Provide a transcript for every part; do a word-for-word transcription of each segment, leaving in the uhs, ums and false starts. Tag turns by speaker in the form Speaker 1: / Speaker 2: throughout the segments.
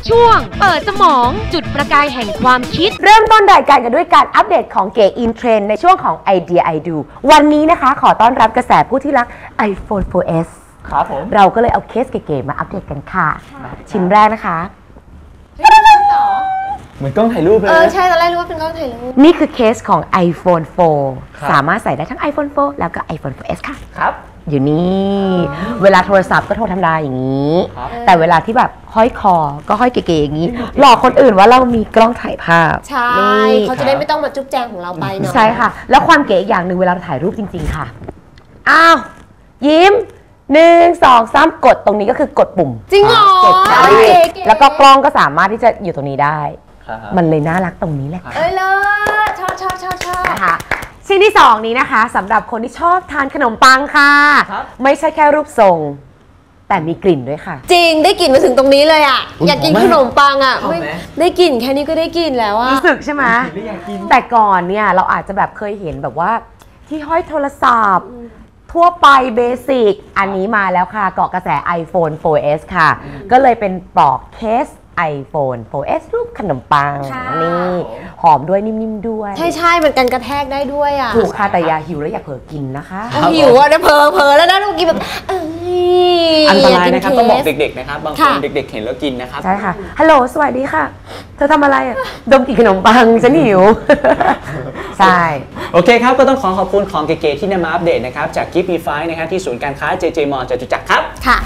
Speaker 1: ช่วงเปิดสมองจุดประกายแห่งความคิด
Speaker 2: เริ่มต้นรายการกันด้วยการอัปเดตของเก๋อินเทรนด์ในช่วงของไอเดียไอดูวันนี้นะคะขอต้อนรับกระแสผู้ที่รัก iPhone โฟร์ เอส
Speaker 3: ครับผม
Speaker 2: เราก็เลยเอาเคสเก๋ๆมาอัปเดตกันค่ะชิ้นแรกนะคะ
Speaker 3: เหมือนกล้องถ่ายรูปเลย
Speaker 4: เออใช่ตอนแรกรู้ว่าเป็นกล้องถ่ายรูป
Speaker 2: นี่คือเคสของ iPhone โฟร์ สามารถใส่ได้ทั้ง iPhone โฟร์ แล้วก็ iPhone โฟร์ เอส ค่ะ
Speaker 3: ครับ
Speaker 2: อยู่นี่เวลาโทรศัพท์ก็โทรธรรมดาอย่างนี้แต่เวลาที่แบบห้อยคอก็ห้อยเก๋ๆอย่างนี้หลอกคนอื่นว่าเรามีกล้องถ่ายภาพ
Speaker 4: ใช่เขาจะได้ไม่ต้องมาจุ๊บแจงของเราไปเนาะ
Speaker 2: ใช่ค่ะแล้วความเก๋อย่างหนึ่งเวลาถ่ายรูปจริงๆค่ะอ้าวยิ้มหนึ่งสองสามกดตรงนี้ก็คือกดปุ่ม
Speaker 4: จริงเหรอ
Speaker 2: แล้วก็กล้องก็สามารถที่จะอยู่ตรงนี้ได้มันเลยน่ารักตรงนี้แหละ
Speaker 4: เอ้ยเลยชอบชอบชอบชอบ
Speaker 2: นะคะชิ้นที่สองนี้นะคะสำหรับคนที่ชอบทานขนมปังค่ะไม่ใช่แค่รูปทรงแต่มีกลิ่นด้วยค่ะ
Speaker 4: จริงได้กลิ่นมาถึงตรงนี้เลยอ่ะอยากกินขนมปังอ่ะได้กลิ่นแค่นี้ก็ได้กลิ่นแล้วอ่ะ
Speaker 2: รู้สึกใช่ไหมแต่ก่อนเนี่ยเราอาจจะแบบเคยเห็นแบบว่าที่ห้อยโทรศัพท์ทั่วไปเบสิกอันนี้มาแล้วค่ะเกาะกระแส iPhone โฟร์ เอส ค่ะก็เลยเป็นปลอกเคส iPhone โฟร์ เอส รูปขนมปังนี่หอมด้วยนิ่มๆด้วย
Speaker 4: ใช่ใช่มันกันกระแทกได้ด้วยอ่ะ
Speaker 2: ถูกค่ะแต่อย่าหิวแล้วอย่าเผลอกินนะคะ
Speaker 4: หิวอ่ะเดี๋ยวเผลอเผลอแล้วนะลูกกินแบบ
Speaker 3: อันตรายนะครับต้องบอกเด็กๆนะครับบางคนเด็กๆเห็นแล้วกินนะครับ
Speaker 2: ใช่ค่ะฮัลโหลสวัสดีค่ะเธอทำอะไรอ่ะดมกลิ่นขนมปังฉันหิวใช่
Speaker 3: โอเคครับก็ต้องขอขอบคุณของเก๋ๆที่นำมาอัปเดตนะครับจาก กิฟต์ มีไฟว์ นะครับที่ศูนย์การค้า เจ เจ มอลล์ จตุจักรครับ
Speaker 4: ค่ะ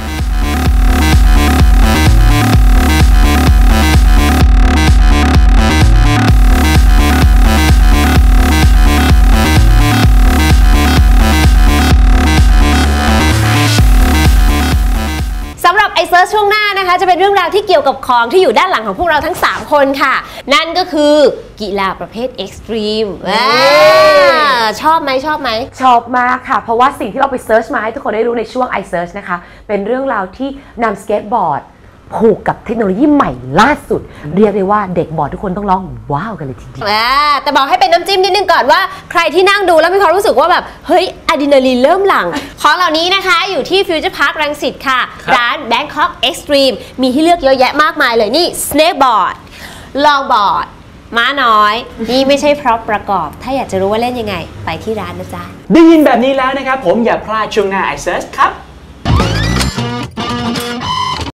Speaker 4: ไอเซิร์ชช่วงหน้านะคะจะเป็นเรื่องราวที่เกี่ยวกับของที่อยู่ด้านหลังของพวกเราทั้งสามคนค่ะนั่นก็คือกีฬาประเภทเอ็กซ์ตรีมชอบไหมชอบไหม
Speaker 2: ชอบมากค่ะเพราะว่าสิ่งที่เราไปเซิร์ชมาให้ทุกคนได้รู้ในช่วง iSearch นะคะเป็นเรื่องราวที่นำสเก็ตบอร์ดผูกกับเทคโนโลยีใหม่ล่าสุดเรียกได้ว่าเด็กบอร์ดทุกคนต้องร้องว้าวกันเลยทีเดียว
Speaker 4: แต่บอกให้เป็นน้ำจิ้มนิดนึงก่อนว่าใครที่นั่งดูแล้วมีความรู้สึกว่าแบบเฮ้ยอะดรีนาลีนเริ่มหลั่งของเหล่านี้นะคะอยู่ที่ฟิวเจอร์พาร์ครังสิตค่ะร้าน Bangkok Extreme มีให้เลือกเยอะแยะมากมายเลยนี่ Snakeboard Longboard ม้าน้อยนี่ไม่ใช่พร็อพประกอบถ้าอยากจะรู้ว่าเล่นยังไงไปที่ร้านนะจ๊ะ
Speaker 3: ได้ยินแบบนี้แล้วนะครับผมอย่าพลาดช่วงหน้า iSearch ครับ